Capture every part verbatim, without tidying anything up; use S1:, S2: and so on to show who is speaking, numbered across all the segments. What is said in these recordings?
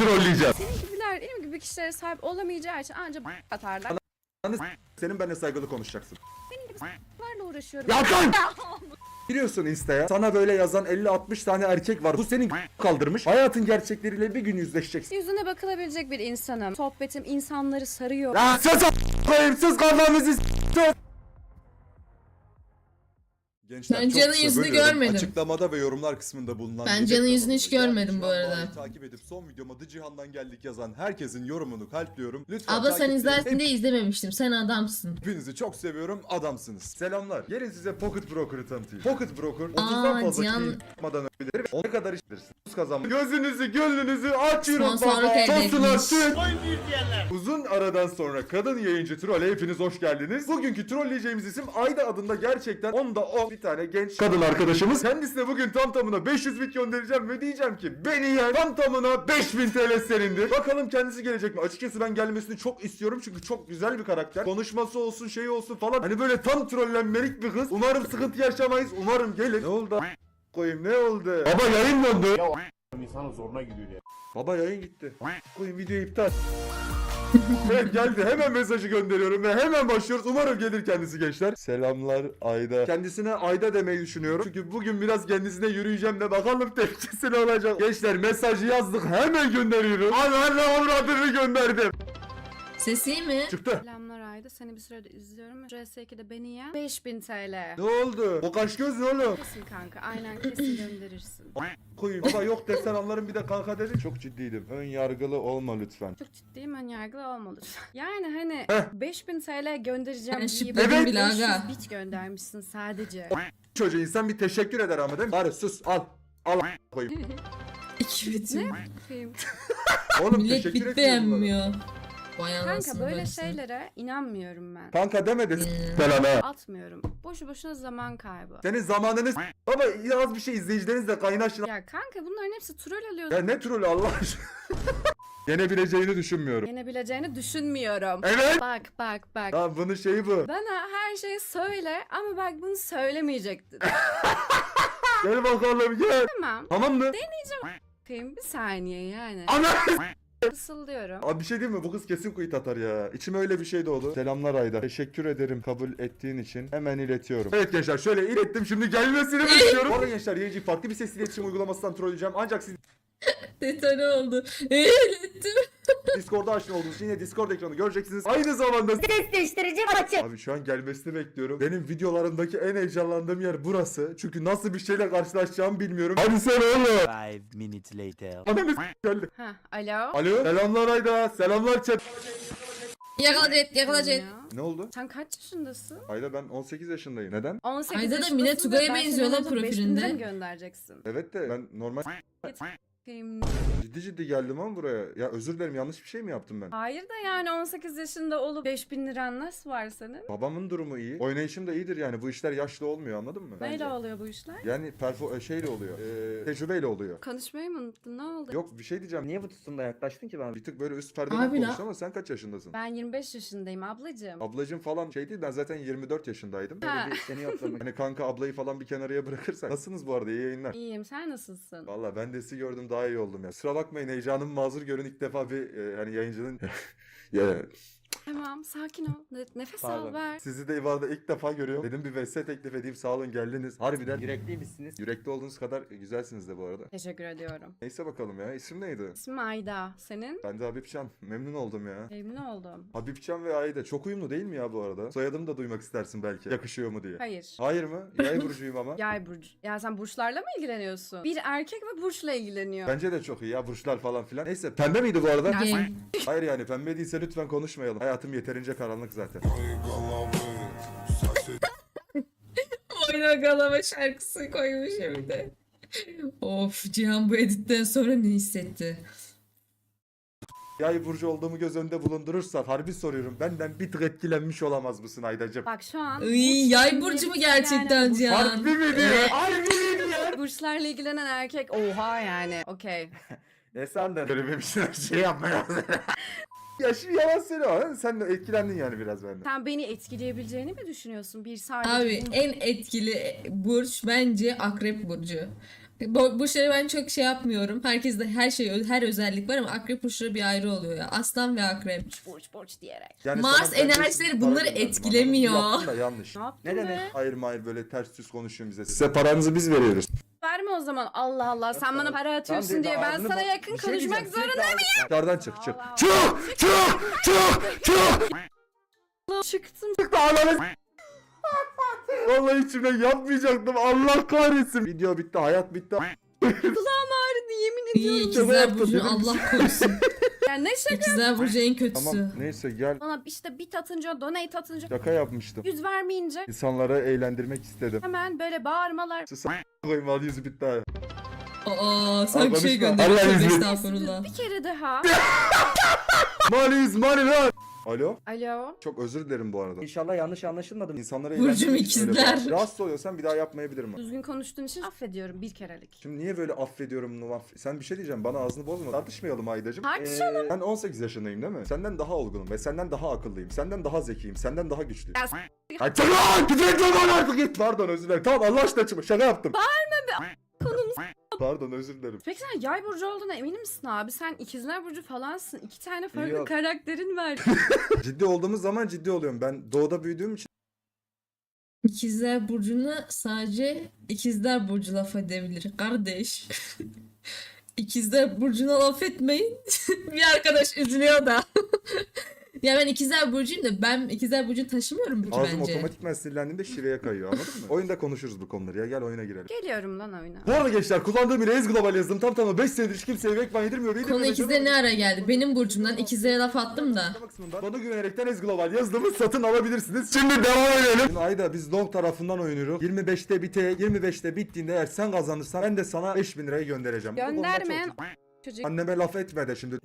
S1: trolleyeceğim.
S2: Senin gibiler benim gibi kişilere sahip olamayacağı için ancak atarlar.
S1: Senin benimle saygılı konuşacaksın.
S2: Senin gibi s**larla uğraşıyorum.
S1: Ya kan! Giriyorsun Insta'ya, sana böyle yazan elli altmış tane erkek var. Bu senin kaldırmış. Hayatın gerçekleriyle bir gün yüzleşeceksin.
S2: Yüzüne bakılabilecek bir insanım. Sohbetim insanları sarıyor.
S1: Ya sus a**ayım, sus kafamızı s***. Gençler,
S3: Ben
S1: çok
S3: Can'ın
S1: kısa
S3: yüzünü
S1: bölüyorum.
S3: görmedim.
S1: Açıklamada ve yorumlar kısmında bulunan
S3: Ben
S1: Gece
S3: Can'ın yüzünü hiç
S1: kanalında,
S3: görmedim
S1: yani
S3: bu
S1: şu an
S3: arada.
S1: Bağ'ı takip edip son videoma The Cihan'dan geldik yazan herkesin yorumunu kalpliyorum. Lütfen
S3: Abla sen
S1: takipte-
S3: izlersin diye izlememiştim. Sen adamsın.
S1: Hepinizi çok seviyorum, adamsınız. Selamlar. Gelin size Pocket Broker'ı tanıtayım. Pocket Broker otuzdan
S3: Aa,
S1: fazla
S3: Cihan-
S1: kişiyi yapmadan öbilir ve ne kadar işleriz. Kazanmak. Gözünüzü, gönlünüzü açıyorum
S3: Sponsorluk
S1: baba.
S3: elde
S1: Tosunlar
S3: etmiş.
S1: süt. Uzun aradan sonra kadın yayıncı trolle hepiniz hoş geldiniz. Bugünkü trolleyeceğimiz isim Ayda adında, gerçekten onda on bir tane genç kadın arkadaşımız. Kendisine bugün tam tamına beş yüz bit göndereceğim ve diyeceğim ki beni yen, tam tamına beş bin T L senindir. Bakalım kendisi gelecek mi? Açıkçası ben gelmesini çok istiyorum çünkü çok güzel bir karakter. Konuşması olsun, şeyi olsun falan. Hani böyle tam trollenmelik bir kız. Umarım sıkıntı yaşamayız. Umarım gelir. Ne oldu? Koyayım ne oldu? Baba yayın dondu.
S4: İnsanın zoruna gidiyor ya.
S1: Baba yayın gitti. Koyayım videoyu iptal. Evet geldi. Hemen mesajı gönderiyorum ve hemen başlıyoruz. Umarım gelir kendisi gençler. Selamlar Ayda. Kendisine Ayda demeyi düşünüyorum. Çünkü bugün biraz kendisine yürüyeceğim de bakalım tepkisi ne olacak. Gençler mesajı yazdık. Hemen gönderiyorum. Ananı avradını gönderdim.
S3: Ses iyi mi?
S1: Çıktı.
S2: Selamlar Ayda. Seni bir süredir izliyorum. R S iki'de beni yen. beş bin T L.
S1: Ne oldu? O kaş göz ne oğlum?
S2: Kesin kanka. Aynen kesin gönderirsin.
S1: Koyayım. Baba yok desen anlarım, bir de kanka dedi. Çok ciddiydim. Ön yargılı olma lütfen.
S2: Çok ciddiyim, ön yargılı olma lütfen. Yani hani
S1: Heh.
S2: beş bin T L göndereceğim
S3: Ben
S2: deyip
S3: şüpheledim
S1: Evet.
S3: bile aga.
S2: beş yüz bit göndermişsin sadece.
S1: Çocuğa insan bir teşekkür eder ama değil mi? Bari sus al. Al koyayım.
S3: İki bitim.
S2: Bakayım.
S1: Oğlum
S3: Millet
S1: teşekkür
S3: bit
S1: ediyorum.
S3: beğenmiyor. Vay
S2: Kanka
S3: anasını
S2: böyle
S3: bacısı.
S2: şeylere inanmıyorum ben.
S1: Kanka demedi.
S3: Hmm.
S1: Belanı.
S2: Atmıyorum. Boşu boşuna zaman kaybı.
S1: Senin zamanını s- Baba az bir şey izleyicilerinizle kaynaşın.
S2: Ya kanka bunların hepsi troll alıyor.
S1: Ya ne trolü Allah aşkına. Yenebileceğini düşünmüyorum.
S2: Yenebileceğini düşünmüyorum.
S1: Evet.
S2: Bak bak bak.
S1: Ya bunun şeyi bu.
S2: Bana her şeyi söyle ama bak bunu söylemeyecektin.
S1: Gel bakalım gel.
S2: Tamam.
S1: Tamam mı?
S2: Bakayım bir saniye yani.
S1: Ana.
S2: Fısıldıyorum.
S1: Abi bir şey diyeyim mi? Bu kız kesin kuyut atar ya. İçime öyle bir şey doğdu. Selamlar Ayda. Teşekkür ederim kabul ettiğin için. Hemen iletiyorum. Evet gençler şöyle ilettim, şimdi gelmesini bekliyorum. Bu arada gençler yayıncıyı farklı bir ses iletişim uygulamasından trolleyeceğim. Ancak siz
S3: Detone oldu. Eğletim.
S1: Discord'a aşina olduğunuz için yine Discord ekranı göreceksiniz. Aynı zamanda
S5: Ses değiştirici açık.
S1: Abi şu an gelmesini bekliyorum. Benim videolarımdaki en heyecanlandığım yer burası. Çünkü nasıl bir şeyle karşılaşacağımı bilmiyorum. Hadi sen oğlum.
S6: Five minutes later.
S1: Ananı s- geldi.
S2: Ha, alo.
S1: Alo. Selamlar Ayda. Selamlar chat.
S3: Yakala Jet, yakala Jet.
S2: Ya.
S1: Ne oldu?
S2: Sen kaç yaşındasın?
S1: Ayda ben on sekiz yaşındayım. Neden?
S2: on sekiz
S3: Ayda da
S2: yaşındasın
S3: Mine
S2: ve
S3: Tugay'a
S2: ben
S3: benziyor
S2: seni
S3: lan
S2: alıp beş bin
S3: profilinde.
S2: lira mı göndereceksin?
S1: Evet de ben normal
S2: Bakayım.
S1: ciddi ciddi geldim ama buraya. Ya özür dilerim, yanlış bir şey mi yaptım ben?
S2: Hayır da yani on sekiz yaşında olup beş bin liran nasıl var senin?
S1: Babamın durumu iyi. Oynayışım da iyidir yani. Bu işler yaşlı olmuyor, anladın mı?
S2: Neyle
S1: Bence.
S2: oluyor bu işler?
S1: Yani perfo şeyle oluyor. Ee, tecrübeyle oluyor.
S2: Konuşmayı mı unuttun? Ne oldu?
S1: Yok bir şey diyeceğim.
S6: Niye bu tutunda yaklaştın ki bana?
S1: Bir tık böyle üst perdeden
S3: Abi
S1: konuştun
S3: la-
S1: ama sen kaç yaşındasın?
S2: Ben yirmi beş yaşındayım ablacığım.
S1: Ablacım falan şey değil, ben zaten yirmi dört yaşındaydım.
S2: Ha.
S1: Böyle bir seni yoklamak. Hani kanka ablayı falan bir kenarıya bırakırsak. Nasılsınız bu arada, iyi yayınlar.
S2: İyiyim, sen nasılsın?
S1: Valla ben de sizi gördüm daha iyi oldum ya. Kusura bakmayın, heyecanımı mazur görün, ilk defa bir e, hani yayıncının ya
S2: Tamam, sakin ol. Ne- Nefes
S6: Pardon.
S2: al, ver.
S1: sizi de İvan'da ilk defa görüyorum. Dedim bir vs teklif edeyim, sağ olun geldiniz. Harbiden
S6: Yürekliymişsiniz.
S1: yürekli olduğunuz kadar güzelsiniz de bu arada.
S2: Teşekkür ediyorum.
S1: Neyse bakalım ya, isim neydi?
S2: İsmim Ayda. Senin?
S1: Ben de Habibcan. Memnun oldum ya.
S2: Memnun oldum.
S1: Habibcan ve Ayda çok uyumlu değil mi ya bu arada? Soyadımı da duymak istersin belki. Yakışıyor mu diye.
S2: Hayır.
S1: Hayır mı? Yay burcuyum ama.
S2: Yay burcu. Ya sen burçlarla mı ilgileniyorsun? Bir erkek ve burçla ilgileniyor.
S1: Bence de çok iyi ya, burçlar falan filan. Neyse, pembe miydi bu arada?
S3: Gay.
S1: Hayır yani pembe değilse lütfen konuşmayalım. Hayatım yeterince karanlık zaten.
S3: Oyna galama şarkısı koymuş bir de. Of, Cihan bu editten sonra ne hissetti?
S1: Yay burcu olduğumu göz önünde bulundurursak harbi soruyorum. Benden bir tık etkilenmiş olamaz mısın Aydacığım?
S2: Bak şu an
S3: Iy, yay burcu mu gerçekten Cihan?
S1: Harbi mi diyor?
S3: Evet.
S1: Harbi mi diyor?
S2: burçlarla ilgilenen erkek oha yani. Okey.
S6: Ne sandın?
S1: Böyle bir şey, şey yapmaya Ya şimdi yalan söyleme. Sen de etkilendin yani biraz benden.
S2: Sen beni etkileyebileceğini mi düşünüyorsun? Bir sadece
S3: Abi
S2: bu-
S3: en etkili burç bence Akrep burcu. Bu, bu şeyi ben çok şey yapmıyorum. Herkeste her şey, her özellik var ama akrep burçları bir ayrı oluyor ya. Aslan ve akrep.
S2: Borç borç diyerek.
S1: Yani
S3: Mars
S1: sana ben beş yüz
S3: enerjileri
S1: para
S3: bunları
S1: gönderdim,
S3: etkilemiyor.
S1: anladın mı? Yaptın da yanlış.
S2: Ne yaptın
S6: Ne
S2: be?
S6: demek?
S1: Hayır hayır böyle ters düz konuşuyorsun bize. Size paranızı biz veriyoruz.
S2: Verme o zaman. Allah Allah. Sen bana para atıyorsun
S6: Tamam,
S2: diye ben
S6: ağzını
S2: sana
S6: bo-
S2: yakın
S6: bir şey
S2: konuşmak
S6: diyeceğim,
S2: zorunda
S6: sürekli ağzını-
S1: Dışarıdan çık çık.
S2: Allah
S1: Çık çık çık çık.
S2: mıyım? Çıktım.
S1: Çık da ananı s- Vallahi içimden yapmayacaktım. Allah kahretsin. Video bitti, hayat bitti.
S2: Kulağım ağrıdı yemin
S3: İyi
S2: ediyorum.
S3: ikizler
S1: yaptın,
S3: burcu
S1: değil mi?
S3: Allah korusun.
S2: Yani ne şaka.
S3: İkizler burcu en kötüsü.
S1: Tamam neyse gel.
S2: Bana işte bit atınca, donate atınca,
S1: Şaka yapmıştım.
S2: yüz vermeyince
S1: İnsanları eğlendirmek istedim.
S2: hemen böyle bağırmalar.
S1: Sus koyayım al yüzü bitti abi.
S3: Aa, sen bir şey
S1: konuşma.
S3: gönderiyorsun.
S1: Allah
S3: Tövbe
S1: izin-
S3: estağfurullah.
S2: Bir kere daha.
S1: Money is money lan. Alo.
S2: Alo.
S1: Çok özür dilerim bu arada.
S6: İnşallah yanlış anlaşılmadım.
S1: İnsanları
S3: Burcum
S1: eğlendirmek için öyle
S3: ikizler.
S1: bağır. Rahatsız oluyorsan bir daha yapmayabilirim. ama.
S2: Düzgün konuştuğun için affediyorum bir kerelik.
S1: Şimdi niye böyle affediyorum bunu aff- Sen bir şey diyeceğim bana ağzını bozma. Tartışmayalım Aydacığım.
S2: Tartışalım.
S1: Ee, ben on sekiz yaşındayım değil mi? Senden daha olgunum ve senden daha akıllıyım. Senden daha zekiyim. Senden daha güçlüyüm.
S2: Ya s-
S1: Ay çık lan! Gidecek lan artık git. Pardon özür dilerim. Tamam Allah aşkına çıkma. Şaka yaptım.
S2: Konumuz.
S1: Pardon özür dilerim.
S2: Peki sen yay burcu olduğuna emin misin abi? Sen ikizler burcu falansın. İki tane farklı
S6: Yok.
S2: karakterin var.
S1: Ciddi olduğumuz zaman ciddi oluyorum. Ben doğuda büyüdüğüm için
S3: İkizler burcuna sadece ikizler burcu laf edebilir. Kardeş. İkizler burcuna laf etmeyin. Bir arkadaş üzülüyor da. Ya ben ikizler burcuyum da ben ikizler burcunu taşımıyorum ki
S1: ağzım
S3: bence.
S1: otomatikman sinirlendiğimde şiveye kayıyor anladın mı? Oyunda konuşuruz bu konuları ya. Gel oyuna girelim.
S2: Geliyorum lan oyuna.
S1: Bu arada gençler kullandığım bir Ez Global yazdım. Tam tamına beş senedir hiç kimseye Vekman yedirmiyor.
S3: Konu
S1: yedirmiyor,
S3: ikizlere ne
S1: yedirmiyor.
S3: ara geldi? Benim burcumdan ikizlere laf attım da.
S1: Açıklama kısmında Bana güvenerekten Ez Global yazdığımı satın alabilirsiniz. Şimdi devam edelim. Şimdi Ayda biz long tarafından oynuyoruz. yirmi beşte bite, yirmi beşte bittiğinde eğer sen kazanırsan ben de sana beş bin lirayı göndereceğim. Bu konuda
S2: Göndermeyen
S1: çok-
S2: çocuk.
S1: Anneme laf etme de şimdi.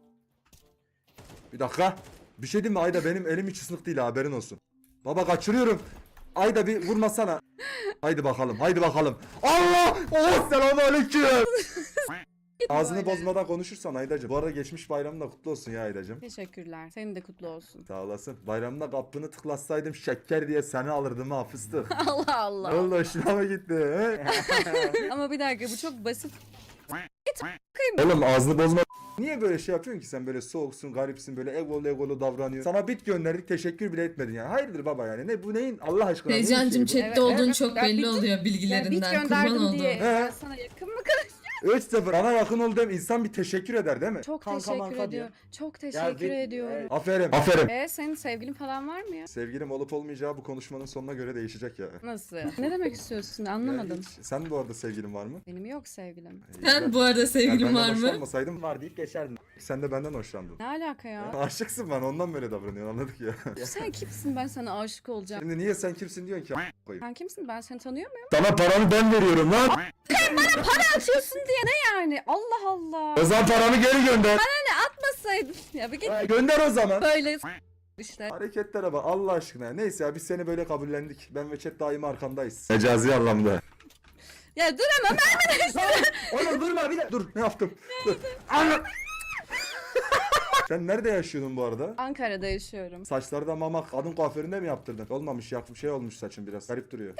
S1: Bir dakika. Bir şey diyeyim mi Ayda benim elim hiç ıslık değil haberin olsun. Baba kaçırıyorum. Ayda bir vurmasana. Haydi bakalım haydi bakalım. Allah! Oh selamun aleyküm. Ağzını bozmadan konuşursan Aydacığım. Bu arada geçmiş bayramın da kutlu olsun ya Aydacığım.
S2: Teşekkürler. Senin de kutlu olsun.
S1: Sağ olasın. Bayramda kapını tıklatsaydım şeker diye seni alırdım ha fıstık.
S2: Allah
S1: Ne
S2: Allah.
S1: oldu hoşuna mı gitti? He?
S2: Ama bir dakika bu çok basit.
S1: Oğlum ağzını bozma. Niye böyle şey yapıyorsun ki sen böyle soğuksun, garipsin, böyle egolu egolu davranıyorsun. Sana bit gönderdik, teşekkür bile etmedin yani. Hayırdır baba yani? Ne bu neyin Allah aşkına? neyin
S3: Teycancım
S1: şeyi bu?
S3: chatte
S2: Evet,
S3: olduğun
S2: evet.
S3: çok
S2: Ya
S3: belli
S2: bit-
S3: oluyor
S2: Ya bit
S3: bilgilerinden. Kurban
S2: gönderdim
S3: oldum.
S2: diye.
S1: He.
S2: Ben sana yakın mı kadar?
S1: üç sıfır. Bana yakın ol dem insan bir teşekkür eder değil mi?
S2: Çok
S6: Kanka
S2: teşekkür
S6: manka diyor.
S2: ediyorum. Çok teşekkür
S6: bir-
S2: ediyorum.
S6: Evet.
S1: Aferin. Aferin.
S2: E senin sevgilin falan var mı ya?
S1: Sevgilim olup olmayacağı bu konuşmanın sonuna göre değişecek ya.
S2: Nasıl? Ne demek istiyorsun? Anlamadım.
S1: Ya hiç- Sen bu arada sevgilin var mı?
S2: Benim yok sevgilim.
S3: Sen bu arada
S1: Ya
S3: sevgilin
S1: benden
S3: var mı?
S1: hoşlanmasaydım
S6: Var deyip geçerdin.
S1: sen de benden hoşlandın.
S2: Ne alaka ya?
S1: Aşıksın bana ondan böyle davranıyorsun anladık ya.
S2: Sen kimsin ben sana aşık olacağım.
S1: Şimdi niye sen kimsin diyorsun ki a- koyayım.
S2: Sen kimsin ben seni tanıyor muyum?
S1: Sana paramı ben veriyorum lan.
S2: Atıyorsun diye ne yani? Allah Allah.
S1: O zaman paramı geri gönder.
S2: Atmasaydın. Ya bir git
S1: Ha, gönder o zaman.
S2: böyle işte.
S1: Hareketlere bak Allah aşkına. Neyse ya biz seni böyle kabullendik. Ben ve chat daima arkandayız. Mecazi anlamda.
S2: Ya dur ama
S1: Oğlum durma bir de. Dur ne yaptım? Dur. Ana! Sen nerede yaşıyordun bu arada?
S2: Ankara'da yaşıyorum.
S1: Saçları da mamak kadın kuaföründe mi yaptırdın? Olmamış yakmış şey olmuş saçın biraz. Garip duruyor.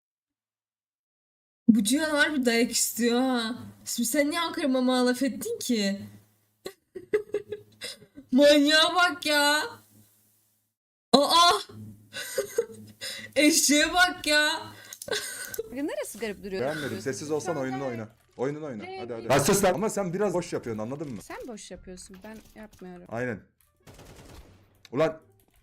S3: Bu Cihan harbi dayak istiyor ha. Şimdi sen niye Ankara mama laf ettin ki? Manyağa bak ya. Aa! Eşeğe bak ya.
S2: Bugün neresi garip duruyor?
S1: Beğenmedim. Sessiz olsan oyununu oyna. Oyununu oyna.
S2: Ne
S1: Hadi hadi.
S2: yapayım?
S1: Ha sus lan. Ama sen biraz boş yapıyorsun anladın mı?
S2: Sen boş yapıyorsun ben yapmıyorum.
S1: Aynen. Ulan.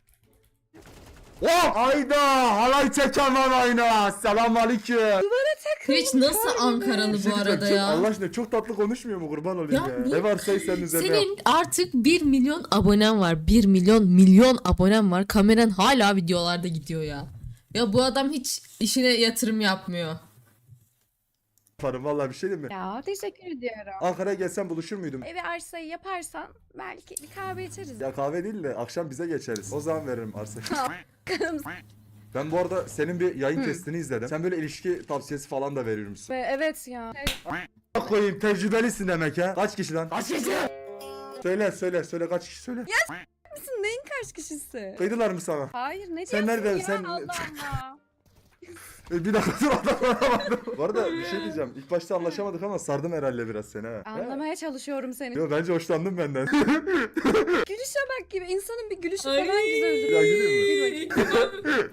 S1: Oh! Ayda! Halay çeken var ayna. Selam aleyküm.
S3: Twitch nasıl Ankaralı bu arada
S1: Çok-
S3: ya?
S1: Allah aşkına çok tatlı konuşmuyor mu kurban olayım ya.
S3: Ya bu-
S1: Ne varsa senin üzerine yap.
S3: Senin artık bir milyon abonen var. bir milyon milyon abonen var. Kameran hala videolarda gidiyor ya. Ya bu adam hiç işine yatırım yapmıyor.
S1: Yaparım vallahi bir şey değil mi?
S2: Ya teşekkür ediyorum.
S1: Ankara'ya gelsen buluşur muydum?
S2: Evi arsayı yaparsan belki bir kahve içeriz.
S1: Ya kahve değil de akşam bize geçeriz. O zaman veririm arsayı. Ben bu arada senin bir yayın testini izledim. Sen böyle ilişki tavsiyesi falan da veriyor musun?
S2: Ve evet ya.
S1: Bak koyayım tecrübelisin demek ha. Kaç kişi lan? Kaç kişi? Söyle söyle söyle kaç kişi söyle.
S2: Misin neyin kaç kişisi?
S1: Kıydılar mı sana?
S2: Hayır ne
S1: Sen
S2: diyorsun
S1: nereden-
S2: ya
S1: sen-
S2: Allah Allah.
S1: E, bir dakika dur odaklanamadım. Bu arada bir şey diyeceğim. İlk başta anlaşamadık ama sardım herhalde biraz seni ha.
S2: Anlamaya çalışıyorum seni.
S1: Yo bence hoşlandın benden.
S2: Gülüşe bak gibi. İnsanın bir gülüşü
S3: Ay.
S2: falan güzel.
S1: Ya güleyim mi?
S2: Gül bakayım.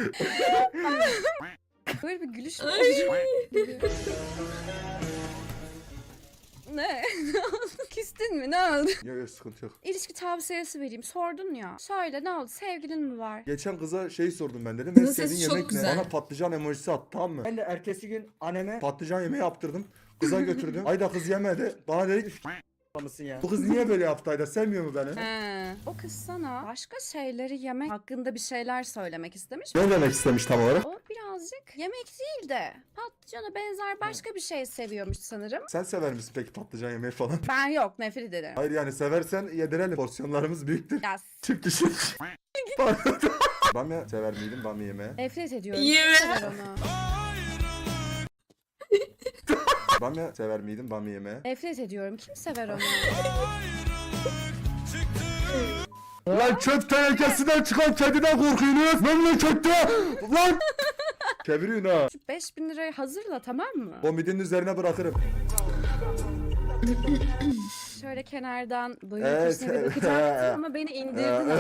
S2: Böyle bir gülüş mü olur? Ne? Ne oldu? Küstün mü? Ne oldu?
S1: Yok yok sıkıntı yok.
S2: İlişki tavsiyesi vereyim. Sordun ya. Söyle ne oldu? Sevgilin mi var?
S1: Geçen kıza şey sordum ben dedim.
S3: Kızın
S1: En sevdiğin
S3: sesi çok
S1: yemek ne?
S3: güzel.
S1: Bana patlıcan emojisi attı tamam mı?
S6: Ben de ertesi gün anneme
S1: Patlıcan yemeği yaptırdım. Kıza götürdüm. Ayda kız yemedi. Bana dedi ki,
S6: mısın ya?
S1: bu kız niye böyle yaptı Ayda? Sevmiyor mu beni?
S2: He. O kız sana başka şeyleri yemek hakkında bir şeyler söylemek istemiş.
S1: Ne demek istemiş tam olarak?
S2: O birazcık yemek değil de patlıcana benzer başka bir şey seviyormuş sanırım.
S1: Sen sever misin peki patlıcan yemeği falan?
S2: Ben yok, nefret ederim.
S1: Hayır yani seversen yedirelim. Porsiyonlarımız büyüktür.
S2: Ya s-
S1: Çift kişilik. Pardon. Bamya sever miydin bamya yemeği?
S2: nefret ediyorum.
S3: Yeme.
S2: Sever onu.
S1: Bamya sever miydin bamya yemeği?
S2: Nefret ediyorum. Kim sever onu?
S1: Lan çöp tenekesinden çıkan kediden korkuyorsunuz. Memlekette. Lan. Çeviriyorsun ha.
S2: Şu beş bin lirayı hazırla tamam mı?
S1: O midinin üzerine bırakırım.
S2: Şöyle kenardan boyun
S1: Evet.
S2: köşesine bir bakacaktım ama beni indirdin.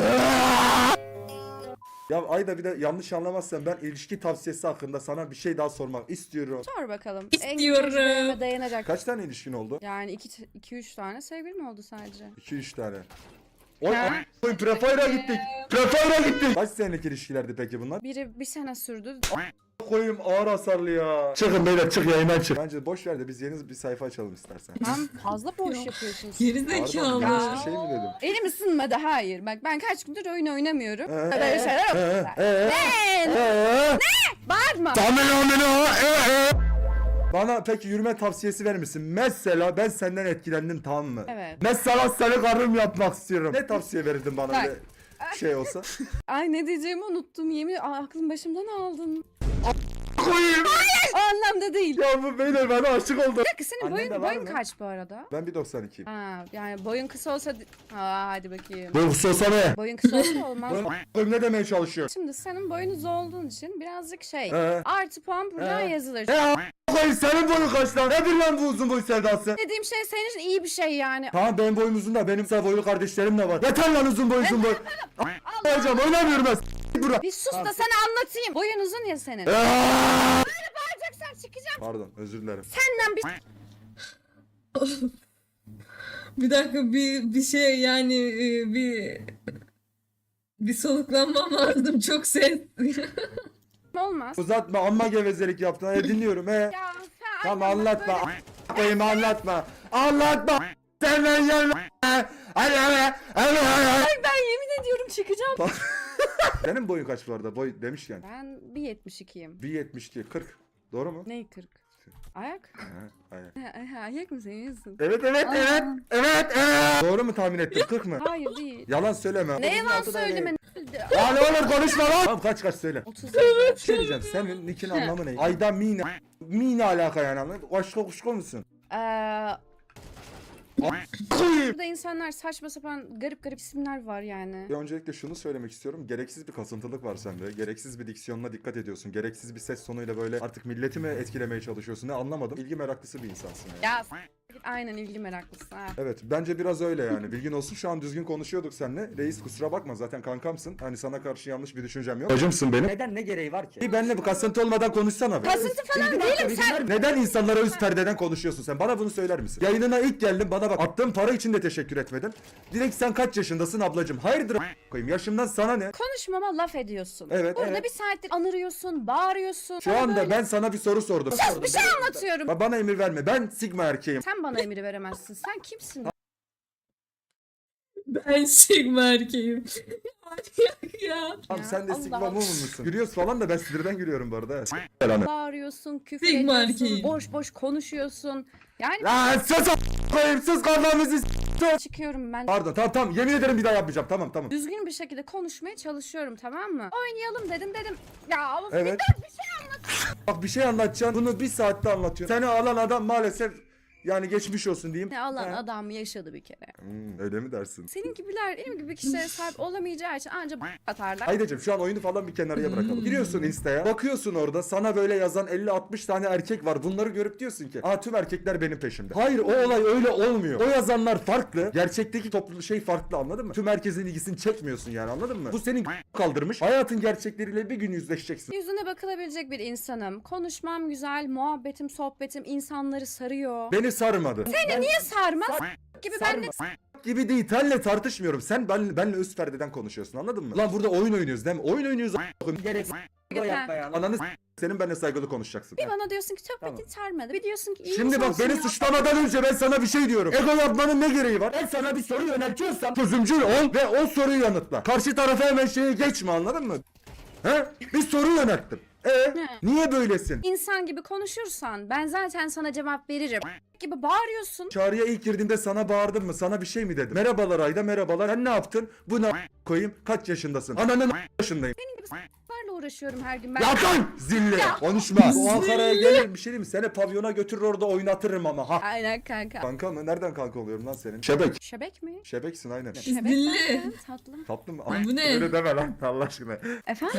S1: Ya Ayda bir de yanlış anlamazsan ben ilişki tavsiyesi hakkında sana bir şey daha sormak istiyorum.
S2: Sor bakalım.
S3: İstiyorum.
S2: En tecrübeme dayanacak.
S1: Kaç tane ilişkin oldu?
S2: Yani iki, iki üç tane sevgilim oldu sadece.
S1: iki üç tane. Oy
S2: Ha?
S1: a**ayım Prefire'a gittik. Prefire'a gittik. Kaç senelik ilişkilerdi peki bunlar?
S2: Biri bir sene sürdü.
S1: Koyayım ağır hasarlı ya. Çıkın beyler çık yayından çık. Bence boş ver de biz yeni bir sayfa açalım istersen.
S2: Tam fazla boş yapıyorsunuz.
S1: Pardon
S3: Gerizekalı.
S1: yanlış bir şey mi dedim?
S2: Elim ısınmadı hayır. Bak ben kaç gündür oyun oynamıyorum.
S1: Ee,
S2: Böyle şeyler yok.
S1: Ee, ee,
S2: Ne?
S1: ee.
S2: Bağırma.
S1: Bana peki yürüme tavsiyesi verir misin? Mesela ben senden etkilendim tamam mı?
S2: Evet.
S1: Mesela seni karım yapmak istiyorum. Ne tavsiye verirdin bana
S2: Bak.
S1: öyle şey olsa?
S2: Ay ne diyeceğimi unuttum. Yemin Aa, aklım başımdan aldın.
S1: Koyayım.
S2: O anlamda değil.
S1: Ya bu beyler bana aşık oldu.
S2: Bir dakika senin
S6: Annen
S2: boyun,
S6: de var
S2: boyun
S6: mı?
S2: kaç bu arada?
S1: Ben bir doksan ikiyim.
S2: Ha, yani boyun kısa olsa... Aa, hadi bakayım.
S1: Bu sosa ne?
S2: Boyun kısa olsa olmaz.
S1: Koyayım ne demeye çalışıyor?
S2: Şimdi senin boyun uzun olduğun için birazcık şey...
S1: Ee?
S2: Artı puan buradan
S1: Ee?
S2: yazılır.
S1: E a** koyayım senin boyun kaç lan? Nedir lan bu uzun boy sevdası?
S2: Dediğim şey senin için iyi bir şey yani.
S1: Tamam benim boyum uzun da benim kısa boylu kardeşlerim de var. Yeter lan uzun boy uzun boy. Hocam oynamıyorum ben. S- Bura.
S2: Bir sus da sana anlatayım. Boyun uzun ya senin.
S1: Aa!
S2: Bağıracaksan çıkacağım.
S1: Pardon özür dilerim.
S2: Senden bir...
S3: Bir dakika bir bir şey yani e, bir bir soluklanmam lazım çok ses.
S2: Olmaz.
S1: Uzatma amma gevezelik yaptın. Hadi dinliyorum he.
S2: Ya sen...
S1: Tamam anlatma. A- koyayım anlatma. Anlatma. Senden gelme. Hadi hadi hadi hadi.
S2: Ben yemin ediyorum çıkacağım.
S1: Senin boyun kaç bu arada? Boy demişken.
S2: Ben bir yetmiş ikiyim.
S1: bir yetmiş iki kırk. Doğru mu?
S2: Ney kırk? Ayak?
S1: Ha, aynen.
S2: Ha, Ayak mı seviyorsun?
S1: Evet evet
S2: Aa.
S1: evet. Evet evet. Doğru mu tahmin ettin? kırk mı?
S2: Hayır değil.
S1: Yalan söyleme.
S2: Ne yalan
S1: Otuzun altı
S2: söyleme.
S1: değil. Ya ne olur konuşma lan. Tamam kaç kaç söyle.
S2: otuz
S1: Bir şey diyeceğim. Senin nickin anlamı ne? Ayda mine. Mine alaka yani anladın? Başka kuşku musun?
S2: Eee...
S1: Koyayım.
S2: Burada insanlar saçma sapan garip garip isimler var yani.
S1: Ya öncelikle şunu söylemek istiyorum. Gereksiz bir kasıntılık var sende. Gereksiz bir diksiyonuna dikkat ediyorsun. Gereksiz bir ses tonuyla böyle artık milleti mi etkilemeye çalışıyorsun? Ne anlamadım. İlgi meraklısı bir insansın yani.
S2: Ya s- aynen ilgi meraklısın ha.
S1: Evet bence biraz öyle yani. Bilgin olsun şu an düzgün konuşuyorduk seninle. Reis kusura bakma zaten kankamsın. Hani sana karşı yanlış bir düşüncem yok. Bacımsın benim.
S6: Neden ne gereği var ki?
S1: Bir benimle bu kasıntı olmadan konuşsana be.
S2: Kasıntı falan
S6: Bilgi
S2: değilim
S6: bilgi
S2: sen.
S6: var mı?
S1: Neden insanlara üst perdeden konuşuyorsun sen? Bana bunu söyler misin? Yayınına ilk geldim bana bak. Attığım para için de teşekkür etmedin. Direkt sen kaç yaşındasın ablacım? Hayırdır a- koyayım yaşımdan sana ne?
S2: Konuşmama laf ediyorsun.
S1: Evet,
S2: Burada
S1: evet.
S2: bir saattir anırıyorsun, bağırıyorsun.
S1: Şu
S2: Bana
S1: anda
S2: böyle-
S1: ben sana bir soru sordum.
S2: Sus bir şey anlatıyorum.
S1: Ba- Bana emir verme. Ben Sigma erkeğim.
S2: Sen bana emir veremezsin. Sen kimsin?
S3: Ben Sigma erkeğim. ya.
S1: Tamam
S2: Ya,
S1: sen de
S2: Allah
S1: Sigma
S2: Allah.
S1: mu musun? Gülüyoruz falan da ben sinirden gülüyorum bu arada.
S2: Bağırıyorsun, küfür
S3: Sigma
S2: ediyorsun,
S3: erkeğim.
S2: boş boş konuşuyorsun. Yani
S1: Lan sus a- koyayım sus kafamızı s-
S2: çıkıyorum ben.
S1: Pardon tamam tamam yemin ederim bir daha yapmayacağım tamam tamam.
S2: Düzgün bir şekilde konuşmaya çalışıyorum tamam mı? Oynayalım dedim dedim. Ya of,
S1: Evet.
S2: bir de bir şey anlat.
S1: Bak bir şey anlatacaksın bunu bir saatte anlatıyorsun. Seni alan adam maalesef Yani geçmiş olsun diyeyim.
S2: Ne alan
S1: Ha.
S2: adam yaşadı bir kere.
S1: Hmm, öyle mi dersin?
S2: Senin gibiler benim gibi kişilere sahip olamayacağı için anca b- atarlar.
S1: Aydacığım şu an oyunu falan bir kenarıya bırakalım.
S3: Hmm.
S1: Giriyorsun Insta'ya. Bakıyorsun orada sana böyle yazan elli altmış tane erkek var. Bunları görüp diyorsun ki aa tüm erkekler benim peşimde. Hayır o olay öyle olmuyor. O yazanlar farklı. Gerçekteki toplu şey farklı anladın mı? Tüm herkesin ilgisini çekmiyorsun yani anladın mı? Bu senin kaldırmış. Hayatın gerçekleriyle bir gün yüzleşeceksin.
S2: Yüzüne bakılabilecek bir insanım. Konuşmam güzel, muhabbetim, sohbetim insanları sarıyor.
S1: Beni sarmadı.
S2: Seni niye sarmaz gibi ben de
S1: Gibi değil. Senle tartışmıyorum. Sen ben, benle üst perdeden konuşuyorsun anladın mı? Lan burada oyun oynuyoruz değil mi? Oyun oynuyoruz. a**ım.
S6: Gerek o yapma ya.
S1: Ananı s- senin benimle saygılı konuşacaksın.
S2: bir bana diyorsun ki sohbetin
S6: Tamam.
S2: sarmadı. Bir diyorsun ki iyi
S1: Şimdi bak
S2: insansın
S1: beni
S2: ya.
S1: suçlamadan önce ben sana bir şey diyorum. Ego yapmanın ne gereği var?
S6: Ben sana bir soru yöneltiyorsam
S1: Çözümcül ol ve o soruyu yanıtla. Karşı tarafa hemen şeye geçme anladın mı? He? Bir soru yönelttim. E niye böylesin?
S2: İnsan gibi konuşursan ben zaten sana cevap veririm. Gibi bağırıyorsun.
S1: Çağrı'ya ilk girdiğinde sana bağırdım mı? Sana bir şey mi dedim? Merhabalar Ayda merhabalar. Sen ne yaptın? Bu ne koyayım? Kaç yaşındasın? Ananın yaşındayım.
S2: Senin gibi s**larla uğraşıyorum her gün ben.
S1: Yapın zilli. Konuşma. Bu Ankara'ya gelir bir şey değil mi? Seni pavyona götürür orada oynatırım ama ha.
S2: Aynen kanka.
S1: Kanka mı? Nereden kanka oluyorum lan senin? Şebek.
S2: Şebek mi?
S1: Şebeksin aynen.
S2: Şebek
S3: Dilli.
S2: zaten tatlım.
S1: Tatlı mı?
S3: Ay, bu ne?
S1: Öyle deme lan Allah aşkına.
S2: Efendim?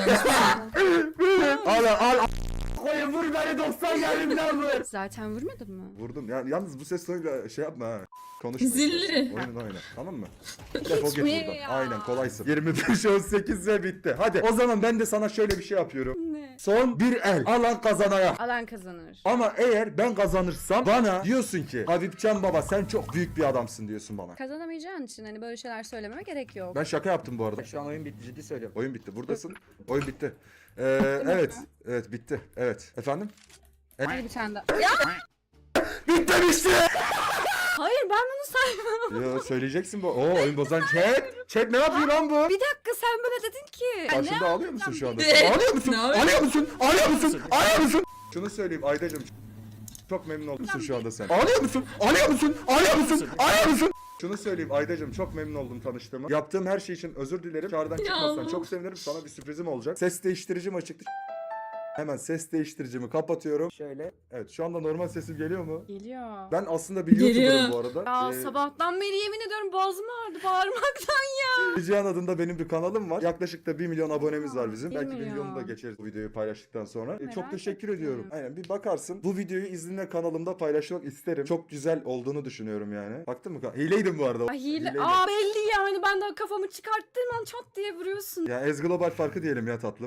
S1: al al.
S6: koyun vur beni doksan yerimden vur.
S2: Zaten vurmadın mı?
S1: Vurdum. Ya yalnız bu ses tonuyla şey yapma ha. Konuşma.
S3: Zilli.
S1: Oyunun oyna. Tamam mı? Defol git
S2: Hiçbir
S1: buradan.
S2: ya.
S1: Aynen kolaysın. yirmi beş on sekiz ve bitti. Hadi o zaman ben de sana şöyle bir şey yapıyorum.
S2: Ne?
S1: Son bir el. Alan kazanaya.
S2: Alan kazanır.
S1: Ama eğer ben kazanırsam bana diyorsun ki Habibcan baba sen çok büyük bir adamsın diyorsun bana.
S2: Kazanamayacağın için hani böyle şeyler söylememe gerek yok.
S1: Ben şaka yaptım bu arada.
S6: Şu an oyun bitti ciddi söylüyorum.
S1: Oyun bitti. Buradasın. Oyun bitti. Ee, evet. Evet bitti. Evet. Efendim?
S2: Hadi bir tane daha. Ya
S1: Bitti işte.
S2: hayır ben bunu saymam.
S1: Yo söyleyeceksin bu. Oo oyun bozan chat. Chat ne yapıyor lan bu?
S2: Bir dakika sen böyle dedin ki.
S1: Karşında ağlıyor musun şu anda?
S3: Evet.
S1: Ağlıyor musun?
S3: Ne yapıyorsun?
S1: Ağlıyor musun? Ağlıyor musun? Ağlıyor musun? Şunu söyleyeyim Aydacığım. Çok memnun oldum şu anda sen. Ağlıyor musun? Ağlıyor musun? Ağlıyor musun? Ağlıyor musun? Şunu söyleyeyim Aydacığım çok memnun oldum tanıştığıma. Yaptığım her şey için özür dilerim. Çağrıdan çıkmazsan çok sevinirim. Sana bir sürprizim olacak. Ses değiştiricim açıktı. Hemen ses değiştiricimi kapatıyorum.
S6: Şöyle.
S1: Evet şu anda normal sesim geliyor mu?
S2: Geliyor.
S1: Ben aslında bir
S3: Geliyor.
S1: YouTuber'ım bu arada.
S2: Ya
S1: Ee,
S2: sabahtan beri yemin ediyorum boğazım ağrıdı bağırmaktan ya.
S1: Cihan adında benim bir kanalım var. Yaklaşık da bir milyon abonemiz var bizim.
S2: Bir
S1: Belki bir
S2: milyon.
S1: milyonu da geçeriz bu videoyu paylaştıktan sonra. Ee,
S2: Merak
S1: çok teşekkür
S2: ettim.
S1: ediyorum. Aynen bir bakarsın. Bu videoyu izninle kanalımda paylaşmak isterim. Çok güzel olduğunu düşünüyorum yani. Baktın mı? Hileydim bu arada.
S2: Ay hile.
S1: Hileydim.
S2: Aa belli yani ben daha kafamı çıkarttığım an çat diye vuruyorsun.
S1: Ya Ez Global farkı diyelim ya tatlım.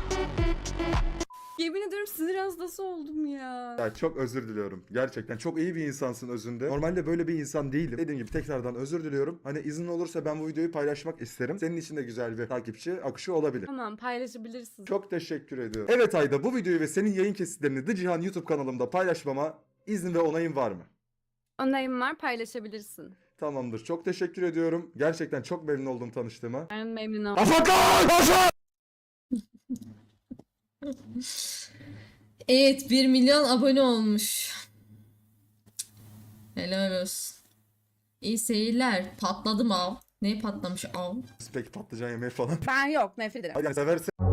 S2: Yemin ediyorum sinir hastası oldum ya.
S1: Ya çok özür diliyorum. Gerçekten çok iyi bir insansın özünde. Normalde böyle bir insan değilim. Dediğim gibi tekrardan özür diliyorum. Hani izin olursa ben bu videoyu paylaşmak isterim. Senin için de güzel bir takipçi akışı olabilir.
S2: Tamam paylaşabilirsin.
S1: Çok teşekkür ediyorum. Evet Ayda bu videoyu ve senin yayın kesitlerini The Cihan YouTube kanalımda paylaşmama izin ve onayın var mı?
S2: Onayım var paylaşabilirsin.
S1: Tamamdır. Çok teşekkür ediyorum. Gerçekten çok memnun oldum tanıştığıma.
S2: Ben memnun oldum.
S1: Afakan! Afakan!
S3: Evet, bir milyon abone olmuş. Helal olsun. İyi seyirler. Patladım av. Ne patlamış av?
S1: Peki patlıcan yemeği falan.
S2: Ben yok nefret ederim.
S1: Hadi seversen